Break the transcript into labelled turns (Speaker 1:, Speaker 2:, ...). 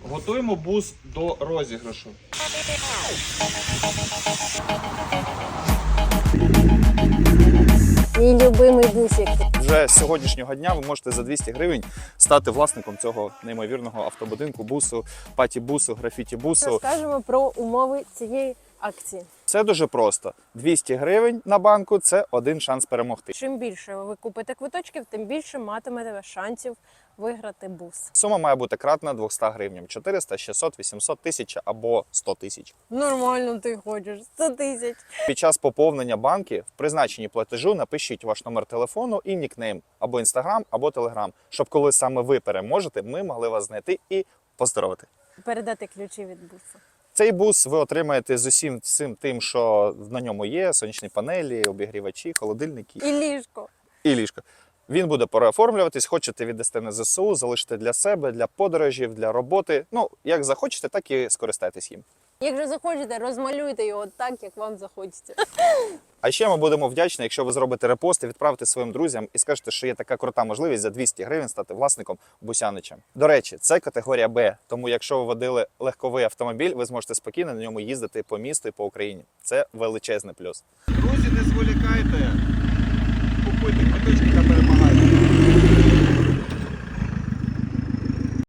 Speaker 1: Готуємо бус до розіграшу.
Speaker 2: Мій любимий бусик.
Speaker 1: Вже з сьогоднішнього дня ви можете за 200 гривень стати власником цього неймовірного автобудинку, бусу, паті-бусу, графіті-бусу.
Speaker 2: Розкажемо про умови цієї акції.
Speaker 1: Це дуже просто. 200 гривень на банку – це один шанс перемогти.
Speaker 2: Чим більше ви купите квиточків, тим більше матимете шансів виграти бус.
Speaker 1: Сума має бути кратна 200 гривням. 400, 600, 800, 1000 або 100 тисяч.
Speaker 2: Нормально ти хочеш. 100 тисяч.
Speaker 1: Під час поповнення банки в призначенні платежу напишіть ваш номер телефону і нікнейм, або Інстаграм, або Телеграм, щоб коли саме ви переможете, ми могли вас знайти і поздоровити.
Speaker 2: Передати ключі від бусу.
Speaker 1: Цей бус ви отримаєте з усім цим тим, що на ньому є: сонячні панелі, обігрівачі, холодильники
Speaker 2: І ліжко.
Speaker 1: і ліжко. Він буде переоформлюватись, хочете віддасте на ЗСУ, залишите для себе, для подорожів, для роботи. Ну, як захочете, так і скористайтесь їм.
Speaker 2: Якщо захочете, розмалюйте його так, як вам захочеться.
Speaker 1: А ще ми будемо вдячні, якщо ви зробите репост і відправите своїм друзям і скажете, що є така крута можливість за 200 гривень стати власником Бусянича. До речі, це категорія Б, тому якщо ви водили легковий автомобіль, ви зможете спокійно на ньому їздити по місту і по Україні. Це величезний плюс. Друзі, не зволікайте, купуйте квиточки та перемагайте.